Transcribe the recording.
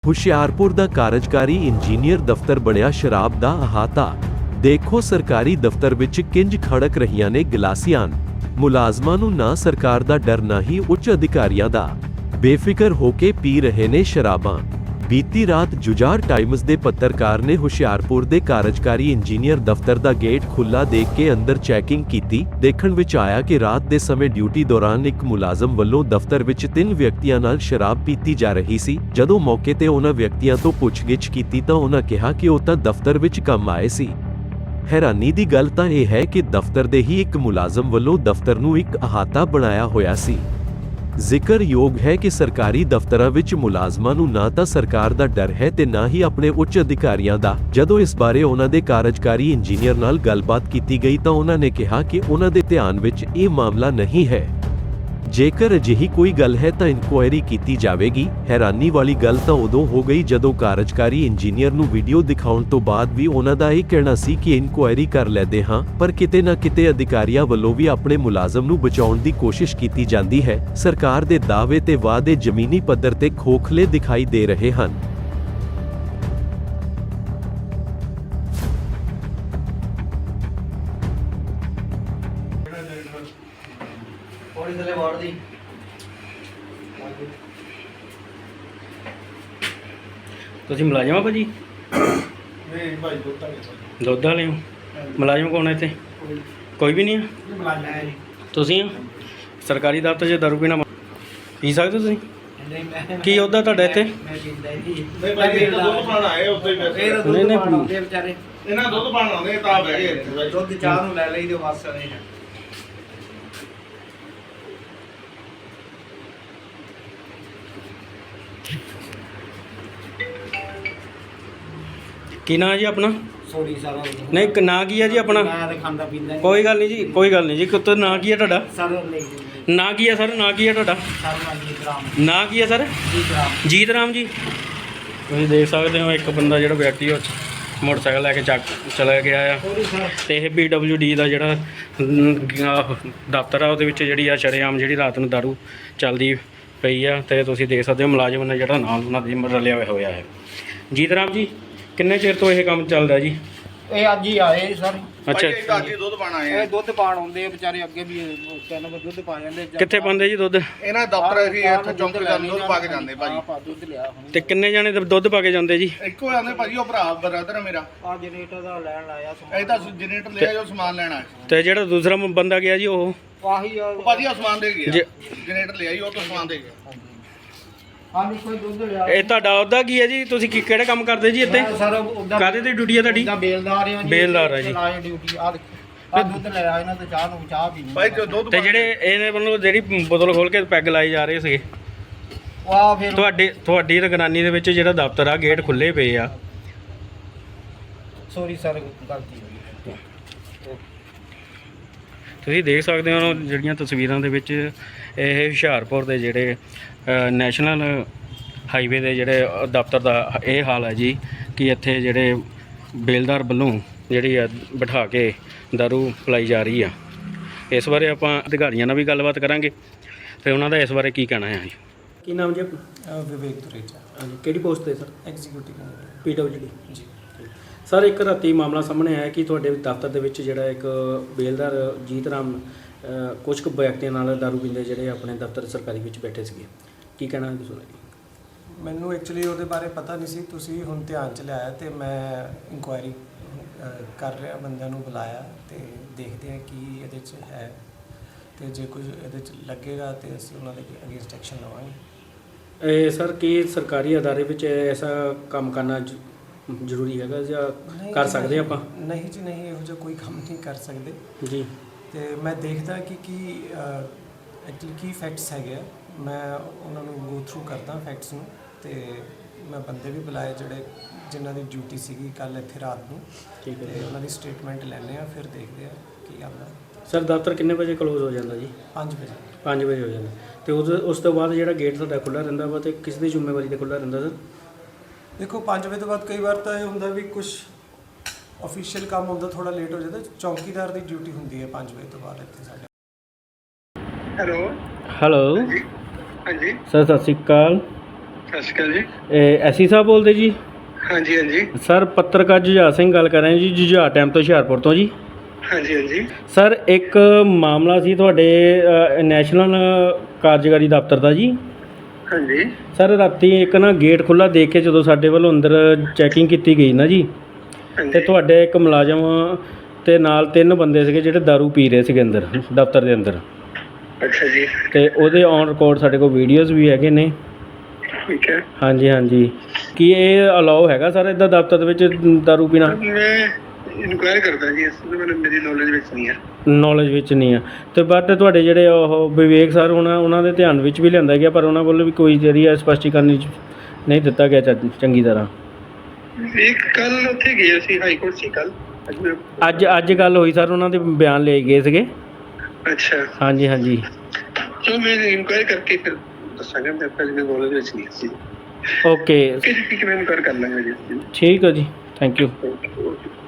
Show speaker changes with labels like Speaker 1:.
Speaker 1: ਹੁਸ਼ਿਆਰਪੁਰ ਦਾ ਕਾਰਜਕਾਰੀ ਇੰਜੀਨੀਅਰ ਦਫ਼ਤਰ ਬਣਿਆ ਸ਼ਰਾਬ ਦਾ ਅਹਾਤਾ। ਦੇਖੋ ਸਰਕਾਰੀ ਦਫ਼ਤਰ ਵਿੱਚ ਕਿੰਜ ਖੜਕ ਰਹੀਆਂ ਨੇ ਗਲਾਸੀਆਂ। ਮੁਲਾਜ਼ਮਾਂ ਨੂੰ ਨਾ ਸਰਕਾਰ ਦਾ ਡਰ ਨਾ ਹੀ ਉੱਚ ਅਧਿਕਾਰੀਆਂ ਦਾ। ਬੇਫਿਕਰ ਹੋ ਕੇ ਪੀ ਰਹੇ ਨੇ ਸ਼ਰਾਬਾਂ। ਬੀਤੀ ਰਾਤ ਜੁਝਾਰ ਟਾਈਮਜ਼ ਦੇ ਪੱਤਰਕਾਰ ਨੇ ਹੁਸ਼ਿਆਰਪੁਰ ਦੇ ਕਾਰਜਕਾਰੀ ਇੰਜੀਨੀਅਰ ਦਫ਼ਤਰ ਦਾ ਗੇਟ ਖੁੱਲ੍ਹਾ ਦੇਖ ਕੇ ਅੰਦਰ ਚੈਕਿੰਗ ਕੀਤੀ। ਦੇਖਣ ਵਿੱਚ ਆਇਆ ਕਿ ਰਾਤ ਦੇ ਸਮੇਂ ਡਿਊਟੀ ਦੌਰਾਨ ਇੱਕ ਮੁਲਾਜ਼ਮ ਵੱਲੋਂ ਦਫ਼ਤਰ ਵਿੱਚ 3 ਵਿਅਕਤੀਆਂ ਨਾਲ ਸ਼ਰਾਬ ਪੀਤੀ ਜਾ ਰਹੀ ਸੀ। ਜਦੋਂ ਮੌਕੇ ਤੇ ਉਹਨਾਂ ਵਿਅਕਤੀਆਂ ਤੋਂ ਪੁੱਛਗਿੱਛ ਕੀਤੀ ਤਾਂ ਉਹਨਾਂ ਕਿਹਾ ਕਿ ਉਹ ਤਾਂ ਦਫ਼ਤਰ ਵਿੱਚ ਕੰਮ ਆਏ ਸੀ। ਹੈਰਾਨੀ ਦੀ ਗੱਲ ਤਾਂ ਇਹ ਹੈ ਕਿ ਦਫ਼ਤਰ ਦੇ ਹੀ ਇੱਕ ਮੁਲਾਜ਼ਮ ਵੱਲੋਂ ਦਫ਼ਤਰ ਨੂੰ ਇੱਕ ਅਹਾਤਾ ਬਣਾਇਆ ਹੋਇਆ ਸੀ। ਜ਼ਿਕਰਯੋਗ ਹੈ ਕਿ ਸਰਕਾਰੀ ਦਫ਼ਤਰਾਂ ਵਿੱਚ ਮੁਲਾਜ਼ਮਾਂ ਨੂੰ ਨਾ ਤਾਂ ਸਰਕਾਰ ਦਾ ਡਰ ਹੈ ਤੇ ਨਾ ਹੀ ਆਪਣੇ ਉੱਚ ਅਧਿਕਾਰੀਆਂ ਦਾ। ਜਦੋਂ ਇਸ ਬਾਰੇ ਉਹਨਾਂ ਦੇ ਕਾਰਜਕਾਰੀ ਇੰਜੀਨੀਅਰ ਨਾਲ ਗੱਲਬਾਤ ਕੀਤੀ ਗਈ ਤਾਂ ਉਹਨਾਂ ਨੇ ਕਿਹਾ ਕਿ ਉਹਨਾਂ ਦੇ ਧਿਆਨ ਵਿੱਚ ਇਹ ਮਾਮਲਾ ਨਹੀਂ ਹੈ। ਜੇਕਰ ਅਜਿਹੀ ਕੋਈ ਗੱਲ ਹੈ ਤਾਂ ਇਨਕੁਆਇਰੀ ਕੀਤੀ ਜਾਵੇਗੀ। ਹੈਰਾਨੀ ਵਾਲੀ ਗੱਲ ਤਾਂ ਉਦੋਂ ਹੋ ਗਈ ਜਦੋਂ ਕਾਰਜਕਾਰੀ ਇੰਜੀਨੀਅਰ ਨੂੰ ਵੀਡੀਓ ਦਿਖਾਉਣ ਤੋਂ ਬਾਅਦ ਵੀ ਉਹਨਾਂ ਦਾ ਇਹ ਕਹਿਣਾ ਸੀ ਕਿ ਇਨਕੁਆਇਰੀ ਕਰ ਲੈਂਦੇ ਹਾਂ, ਪਰ ਕਿਤੇ ਨਾ ਕਿਤੇ ਅਧਿਕਾਰੀਆਂ ਵੱਲੋਂ ਵੀ ਆਪਣੇ ਮੁਲਾਜ਼ਮ ਨੂੰ ਬਚਾਉਣ ਦੀ ਕੋਸ਼ਿਸ਼ ਕੀਤੀ ਜਾਂਦੀ ਹੈ। ਸਰਕਾਰ ਦੇ ਦਾਅਵੇ ਤੇ ਵਾਅਦੇ ਜ਼ਮੀਨੀ ਪੱਧਰ ਤੇ ਖੋਖਲੇ ਦਿਖਾਈ ਦੇ ਰਹੇ ਹਨ।
Speaker 2: थोड़ी थले मार दी
Speaker 3: ਤੁਸੀਂ ਮੁਲਾਜ਼ਮ ਆ ਭਾਜੀ?
Speaker 2: नहीं भाई दुद्ध वाले
Speaker 3: ਦੁੱਧ ਵਾਲੇ ਹੋ? ਮੁਲਾਜ਼ਮ ਕੌਣ ਹੈ ਇੱਥੇ? ਕੋਈ ਵੀ ਨਹੀਂ ਆ?
Speaker 2: मुलाजम है नहीं
Speaker 3: ਤੁਸੀਂ ਆ? ਸਰਕਾਰੀ ਦਫ਼ਤਰ 'ਚ ਦਾਰੂ ਪੀਣਾ ਪੀ ਸਕਦੇ ਤੁਸੀਂ?
Speaker 2: मैं
Speaker 3: ਕੀ ਉਹਦਾ ਤੁਹਾਡਾ ਇੱਥੇ?
Speaker 2: मैं पींदा ही
Speaker 4: ਨਹੀਂ ਭਾਈ ਇਹ ਤਾਂ ਦੁੱਧ ਪਾਣ ਆਏ ਉੱਤੇ ਹੀ
Speaker 2: ਇਹ
Speaker 4: ਵੈਸੇ
Speaker 2: ਦੁੱਧ
Speaker 3: ਨਹੀਂ,
Speaker 2: ਪਾਣ ਆਉਂਦੇ ਆ ਵਿਚਾਰੇ।
Speaker 4: ਇਹਨਾਂ ਦੁੱਧ ਪਾਣ ਆਉਂਦੇ ਤਾਂ ਬਹਿ ਗਏ ਇੱਥੇ ਭਾਈ।
Speaker 2: ਦੁੱਧ ਚਾਹ ਨੂੰ ਲੈ ਲਈਦੇ ਬਸ ਨਹੀਂ ਹੈ।
Speaker 3: ਕੀ ਨਾਂ ਜੀ ਆਪਣਾ?
Speaker 2: ਸੋਰੀ ਸਾਰਾ
Speaker 3: ਨਹੀਂ ਨਾਂ ਕੀ ਹੈ ਜੀ ਆਪਣਾ?
Speaker 2: ਮੈਂ ਤਾਂ ਖਾਂਦਾ ਪੀਂਦਾ ਨਹੀਂ।
Speaker 3: ਕੋਈ ਗੱਲ ਨਹੀਂ ਜੀ, ਕੋਈ ਗੱਲ ਨਹੀਂ ਜੀ। ਕੁੱਤੇ ਨਾਂ ਕੀ ਹੈ ਤੁਹਾਡਾ?
Speaker 2: ਸਰ ਨਹੀਂ
Speaker 3: ਨਾਂ ਕੀ ਹੈ ਸਰ? ਨਾਂ ਕੀ ਹੈ ਤੁਹਾਡਾ?
Speaker 2: ਸਰ ਮੰਗੀ ਗ੍ਰਾਮ
Speaker 3: ਨਾਂ ਕੀ ਹੈ ਸਰ?
Speaker 2: ਜੀ ਗ੍ਰਾਮ
Speaker 3: ਜੀਤ ਰਾਮ ਜੀ। ਤੁਸੀਂ ਦੇਖ ਸਕਦੇ ਹੋ ਇੱਕ ਬੰਦਾ ਜਿਹੜਾ ਵਿਅਕਤੀ ਉਹ ਮੋਟਰਸਾਈਕਲ ਲੈ ਕੇ ਚਲਾ ਗਿਆ ਆ
Speaker 2: ਸੋਰੀ ਸਰ
Speaker 3: ਤੇ ਇਹ PWD ਦਾ ਜਿਹੜਾ ਦਫ਼ਤਰ ਆ ਉਹਦੇ ਵਿੱਚ ਜਿਹੜੀ ਆ ਸ਼ਰੇਆਮ ਜਿਹੜੀ ਰਾਤ ਨੂੰ ਦਾਰੂ ਚੱਲਦੀ ਪਈ ਆ ਤੇ ਤੁਸੀਂ ਦੇਖ ਸਕਦੇ ਹੋ ਮੁਲਾਜ਼ਮ ਨੇ ਜਿਹੜਾ ਨਾਲ ਉਹਨਾਂ ਦੇ ਰਲਿਆ ਹੋਇਆ ਹੈ। ਜੀਤ ਰਾਮ ਜੀ, ਕਿੰਨੇ ਚਿਰ ਤੋਂ ਇਹ ਕੰਮ ਚੱਲਦਾ ਜੀ?
Speaker 2: ਇਹ ਅੱਜ ਹੀ ਆਏ ਸਰ।
Speaker 3: ਅੱਛਾ,
Speaker 4: ਭਾਈ ਇੱਕ ਆਜੀ ਦੁੱਧ ਪਾਣ ਆਏ ਆ।
Speaker 2: ਇਹ ਦੁੱਧ ਪਾਣ ਆਉਂਦੇ ਆ ਵਿਚਾਰੇ, ਅੱਗੇ ਵੀ 3 ਵਾਰ ਦੁੱਧ ਪਾ ਜਾਂਦੇ।
Speaker 3: ਕਿੱਥੇ ਪਾਉਂਦੇ ਜੀ ਦੁੱਧ?
Speaker 4: ਇਹਨਾਂ ਦਫ਼ਤਰ ਅਸੀਂ ਇੱਥੇ ਚੌਂਕ ਤੇ ਦੁੱਧ ਪਾ ਕੇ ਜਾਂਦੇ ਭਾਜੀ।
Speaker 2: ਆਪਾਂ ਦੁੱਧ ਲਿਆ ਹੁਣ।
Speaker 3: ਤੇ ਕਿੰਨੇ ਜਾਣੇ ਦੁੱਧ ਪਾ ਕੇ ਜਾਂਦੇ ਜੀ?
Speaker 4: ਇੱਕੋ ਜਾਂਦੇ ਭਾਜੀ, ਉਹ ਭਰਾ ਬ੍ਰਦਰ ਹੈ ਮੇਰਾ।
Speaker 2: ਆ ਜਨਰੇਟਰ ਦਾ ਲੈਣ ਆਇਆ ਸਮਾਨ।
Speaker 4: ਇਹ ਤਾਂ ਜਨਰੇਟਰ ਲੈ ਆਇਓ, ਸਮਾਨ ਲੈਣਾ ਹੈ।
Speaker 3: ਤੇ ਜਿਹੜਾ ਦੂਸਰਾ ਬੰਦਾ ਗਿਆ ਜੀ ਉਹ
Speaker 2: ਆਹੀ ਆ
Speaker 4: ਉਹ ਭਾਜੀ ਆ ਸਮਾਨ ਦੇ ਗਿਆ,
Speaker 3: ਜੇ-
Speaker 4: ਜਨਰੇਟਰ ਲੈ ਆਈ, ਉਹ ਤੋਂ ਸਮਾਨ ਦੇ ਗਿਆ।
Speaker 2: ਹਾਂ ਨਹੀਂ ਕੋਈ ਦੁੱਧ ਲਿਆ।
Speaker 3: ਇਹ ਤੁਹਾਡਾ ਉਹਦਾ ਕੀ ਹੈ ਜੀ? ਤੁਸੀਂ ਕਿਹੜੇ ਕੰਮ ਕਰਦੇ ਜੀ ਇੱਥੇ?
Speaker 2: ਮੈਂ ਸਰ ਉਹਦਾ
Speaker 3: ਕਾਹਦੇ ਦੀ ਡਿਊਟੀ ਹੈ ਤੁਹਾਡੀ?
Speaker 2: ਉਹਦਾ ਬੇਲਦਾਰ ਆ ਜੀ।
Speaker 3: ਬੇਲਦਾਰ ਆ ਜੀ।
Speaker 2: ਲਾਇਆ ਡਿਊਟੀ ਆ ਦੇਖੋ। ਆ ਦੁੱਧ ਲੈ ਆਇਆ ਇਹਨਾਂ ਤੋਂ ਚਾਹ ਨੂੰ ਚਾਹ ਪੀਣੀ।
Speaker 4: ਭਾਈ ਜੋ ਦੁੱਧ
Speaker 3: ਤੇ ਜਿਹੜੇ ਇਹਨੇ ਵੱਲੋਂ ਜਿਹੜੀ ਬੋਤਲ ਖੋਲ ਕੇ ਪੈਗ ਲਾਈ ਜਾ ਰਹੇ ਸੀਗੇ,
Speaker 2: ਉਹ ਆ ਫਿਰ
Speaker 3: ਤੁਹਾਡੀ ਨਿਗਰਾਨੀ ਦੇ ਵਿੱਚ ਜਿਹੜਾ ਦਫ਼ਤਰ ਆ ਗੇਟ ਖੁੱਲੇ ਪਏ ਆ।
Speaker 2: ਸੋਰੀ ਸਰ ਗਲਤੀ ਹੋ ਗਈ।
Speaker 3: ਤੁਸੀਂ ਦੇਖ ਸਕਦੇ ਹੋ ਜਿਹੜੀਆਂ ਤਸਵੀਰਾਂ ਦੇ ਵਿੱਚ ਇਹ ਹੁਸ਼ਿਆਰਪੁਰ ਦੇ ਜਿਹੜੇ ਨੈਸ਼ਨਲ ਹਾਈਵੇ ਦੇ ਜਿਹੜੇ ਦਫ਼ਤਰ ਦਾ ਇਹ ਹਾਲ ਹੈ ਜੀ ਕਿ ਇੱਥੇ ਜਿਹੜੇ ਬੇਲਦਾਰ ਵੱਲੋਂ ਜਿਹੜੀ ਆ ਬਿਠਾ ਕੇ ਦਾਰੂ ਪਿਲਾਈ ਜਾ ਰਹੀ ਆ। ਇਸ ਬਾਰੇ ਆਪਾਂ ਅਧਿਕਾਰੀਆਂ ਨਾਲ ਵੀ ਗੱਲਬਾਤ ਕਰਾਂਗੇ ਤੇ ਉਹਨਾਂ ਦਾ ਇਸ ਬਾਰੇ ਕੀ ਕਹਿਣਾ ਹੈ ਜੀ। ਕੀ ਨਾਮ ਜੀ ਆਪਣਾ?
Speaker 5: ਵਿਵੇਕ ਤੁਰੇਜਾ,
Speaker 3: ਹਾਂਜੀ, ਕਿਹੜੀ ਪੋਸਟ ਤੇ ਸਰ?
Speaker 5: ਐਗਜ਼ੀਕਿਊਟਿਵ
Speaker 3: PWD
Speaker 5: ਜੀ।
Speaker 3: ਸਰ, ਇੱਕ ਰਾਤੀ ਮਾਮਲਾ ਸਾਹਮਣੇ ਆਇਆ ਕਿ ਤੁਹਾਡੇ ਦਫ਼ਤਰ ਦੇ ਵਿੱਚ ਜਿਹੜਾ ਇੱਕ ਬੇਲਦਾਰ ਜੀਤ ਰਾਮ ਕੁਝ ਕੁ ਵਿਅਕਤੀਆਂ ਨਾਲ ਦਾਰੂ ਪੀਂਦੇ ਜਿਹੜੇ ਆਪਣੇ ਦਫ਼ਤਰ ਸਰਕਾਰੀ ਵਿੱਚ ਬੈਠੇ ਸੀਗੇ, ਕੀ ਕਹਿਣਾ ਹੈ ਤੁਸੀਂ?
Speaker 5: ਮੈਨੂੰ ਐਕਚੁਅਲੀ ਉਹਦੇ ਬਾਰੇ ਪਤਾ ਨਹੀਂ ਸੀ, ਤੁਸੀਂ ਹੁਣ ਧਿਆਨ ਚ ਲਿਆਇਆ ਤੇ ਮੈਂ ਇਨਕੁਆਇਰੀ ਕਰ ਰਿਹਾ, ਬੰਦਿਆਂ ਨੂੰ ਬੁਲਾਇਆ ਤੇ ਦੇਖਦੇ ਹਾਂ ਕੀ ਇਹਦੇ ਚ ਹੈ ਤੇ ਜੇ ਕੁਝ ਇਹਦੇ ਚ ਲੱਗੇਗਾ ਤੇ ਅਸੀਂ ਉਹਨਾਂ ਦੇ ਅਗੇਂਸਟ ਐਕਸ਼ਨ ਲਵਾਂਗੇ।
Speaker 3: ਇਹ ਸਰ, ਕੀ ਸਰਕਾਰੀ ਅਦਾਰੇ ਵਿੱਚ ਐਸਾ ਕੰਮ ਕਰਨਾ ਜ਼ਰੂਰੀ ਹੈਗਾ ਜਾਂ ਕਰ ਸਕਦੇ ਆਪਾਂ?
Speaker 5: ਨਹੀਂ ਜੀ ਨਹੀਂ, ਇਹੋ ਜਿਹਾ ਕੋਈ ਕੰਮ ਨਹੀਂ ਕਰ ਸਕਦੇ
Speaker 3: ਜੀ।
Speaker 5: ਤੇ ਮੈਂ ਦੇਖਦਾ ਕਿ ਕੀ ਐਕਚੁਅਲੀ ਕੀ ਫੈਕਟਸ ਹੈਗੇ ਆ, ਮੈਂ ਉਹਨਾਂ ਨੂੰ ਗੋ ਥਰੂ ਕਰਦਾ ਫੈਕਟਸ ਨੂੰ ਤੇ ਮੈਂ ਬੰਦੇ ਵੀ ਬੁਲਾਏ ਜਿਹੜੇ ਜਿਨ੍ਹਾਂ ਦੀ ਡਿਊਟੀ ਸੀਗੀ ਕੱਲ ਇੱਥੇ ਰਾਤ ਨੂੰ।
Speaker 3: ਠੀਕ ਹੈ
Speaker 5: ਤੇ ਉਹਨਾਂ ਦੀ ਸਟੇਟਮੈਂਟ ਲੈਣੇ ਆ, ਫਿਰ ਦੇਖਦੇ ਆ ਕੀ ਆਉਂਦਾ।
Speaker 3: ਸਰ, ਦਫ਼ਤਰ ਕਿੰਨੇ ਵਜੇ ਕਲੋਜ਼ ਹੋ ਜਾਂਦਾ ਜੀ?
Speaker 5: 5 ਵਜੇ।
Speaker 3: 5 ਵਜੇ ਹੋ ਜਾਂਦਾ ਤੇ ਉਸ ਤੋਂ ਬਾਅਦ ਜਿਹੜਾ ਗੇਟ ਤੁਹਾਡਾ ਖੁੱਲ੍ਹਾ ਰਹਿੰਦਾ ਵਾ ਤੇ ਕਿਸ ਦੀ ਜ਼ਿੰਮੇਵਾਰੀ ਤੇ ਖੁੱਲ੍ਹਾ ਰਹਿੰਦਾ ਸਰ?
Speaker 5: ਦੇਖੋ 5 ਵਜੇ ਤੋਂ ਬਾਅਦ ਕਈ ਵਾਰ ਤਾਂ ਇਹ ਹੁੰਦਾ ਵੀ ਕੁਝ ਅਫੀਸ਼ੀਅਲ ਕੰਮ ਹੁੰਦਾ, ਥੋੜਾ ਲੇਟ ਹੋ ਜਾਂਦਾ। ਚੌਕੀਦਾਰ ਦੀ ਡਿਊਟੀ ਹੁੰਦੀ ਹੈ 5 ਵਜੇ ਤੋਂ ਬਾਅਦ ਇੱਥੇ ਸਾਡੇ।
Speaker 4: ਹੈਲੋ
Speaker 3: ਹੈਲੋ
Speaker 4: ਹਾਂਜੀ
Speaker 3: ਸਰ, ਸਤਿ ਸ਼੍ਰੀ ਅਕਾਲ।
Speaker 6: ਸਤਿ ਸ਼੍ਰੀ ਅਕਾਲ ਜੀ।
Speaker 3: ਐਸੀ ਸਾਹਿਬ ਬੋਲਦੇ ਜੀ?
Speaker 6: ਹਾਂਜੀ ਹਾਂਜੀ
Speaker 3: ਸਰ ਪੱਤਰਕਾਰ ਜੁਝਾਰ ਸਿੰਘ ਗੱਲ ਕਰ ਰਹੇ ਜੀ, ਜੁਝਾਰ ਟਾਈਮ ਤੋਂ ਹੁਸ਼ਿਆਰਪੁਰ ਤੋਂ ਜੀ।
Speaker 6: ਹਾਂਜੀ ਹਾਂਜੀ
Speaker 3: ਸਰ ਇੱਕ ਮਾਮਲਾ ਸੀ ਤੁਹਾਡੇ ਨੈਸ਼ਨਲ ਕਾਰਜਕਾਰੀ ਦਫ਼ਤਰ ਦਾ ਜੀ।
Speaker 6: ਹਾਂਜੀ
Speaker 3: ਸਰ ਰਾਤੀ ਇੱਕ ਨਾ ਗੇਟ ਖੁੱਲ੍ਹਾ ਦੇਖ ਕੇ ਜਦੋਂ ਸਾਡੇ ਵੱਲੋਂ ਅੰਦਰ ਚੈਕਿੰਗ ਕੀਤੀ ਗਈ ਨਾ ਜੀ, ਤੇ
Speaker 6: ਹਾਂਜੀ
Speaker 3: ਤੁਹਾਡੇ ਇੱਕ ਮੁਲਾਜ਼ਮ ਤੇ ਨਾਲ 3 ਬੰਦੇ ਸੀਗੇ ਜਿਹੜੇ ਦਾਰੂ ਪੀ ਰਹੇ ਸੀਗੇ ਅੰਦਰ ਦਫ਼ਤਰ ਦੇ ਅੰਦਰ,
Speaker 6: ਅੱਛਾ ਜੀ
Speaker 3: ਤੇ ਉਹਦੇ ਔਨ ਰਿਕਾਰਡ ਸਾਡੇ ਕੋਲ ਵੀਡੀਓਜ਼ ਵੀ ਹੈਗੇ ਨੇ।
Speaker 6: ਠੀਕ ਹੈ।
Speaker 3: ਹਾਂਜੀ ਹਾਂਜੀ, ਕੀ ਇਹ ਅਲਾਓ ਹੈਗਾ ਸਰ ਇੱਦਾਂ ਦਫ਼ਤਰ ਦੇ ਵਿੱਚ ਦਾਰੂ ਪੀਣਾ?
Speaker 6: ਮੈਂ ਇਨਕੁਆਇਰੀ ਕਰਦਾ ਜੀ, ਇਸ ਤੋਂ ਮੈਨੂੰ ਮੇਰੀ ਨੌਲੇਜ ਵਿੱਚ ਨਹੀਂ ਹੈ।
Speaker 3: ਨੌਲੇਜ ਵਿੱਚ ਨਹੀਂ ਆ, ਤੇ ਬਟ ਤੁਹਾਡੇ ਜਿਹੜੇ ਉਹ ਵਿਵੇਕ ਸਰ ਉਹਨਾਂ ਦੇ ਧਿਆਨ ਵਿੱਚ ਵੀ ਲਿਆਂਦਾ ਗਿਆ, ਪਰ ਉਹਨਾਂ ਵੱਲੋਂ ਵੀ ਕੋਈ ਜਿਹੜੀ ਆ ਸਪਸ਼ਟੀਕਰਨ ਨਹੀਂ ਦਿੱਤਾ ਗਿਆ ਚੰਗੀ ਤਰ੍ਹਾਂ।
Speaker 6: ਇੱਕ ਕੱਲ ਉੱਥੇ ਗਿਆ ਸੀ ਹਾਈ ਕੋਰਟ ਸੀ ਕੱਲ।
Speaker 3: ਅੱਜ ਗੱਲ ਹੋਈ ਸਰ, ਉਹਨਾਂ ਦੇ ਬਿਆਨ ਲਏ ਗਏ ਸੀਗੇ।
Speaker 6: ਅੱਛਾ
Speaker 3: ਹਾਂਜੀ ਹਾਂਜੀ
Speaker 6: ਚਲੋ ਮੈਂ ਇਨਕੁਆਇਰੀ ਕਰਕੇ ਫਿਰ ਦੱਸਾਂਗਾ। ਮੈਂ ਪਹਿਲੇ ਮੇਰੀ ਨੌਲੇਜ ਵਿੱਚ ਨਹੀਂ ਸੀ।
Speaker 3: ਓਕੇ
Speaker 6: ਠੀਕ ਹੈ, ਮੈਂ ਇਨਕੁਆਇਰੀ ਕਰ ਲਾਂਗਾ ਜੀ।
Speaker 3: ਠੀਕ ਹੈ ਜੀ, ਥੈਂਕ ਯੂ।
Speaker 6: ਓਕੇ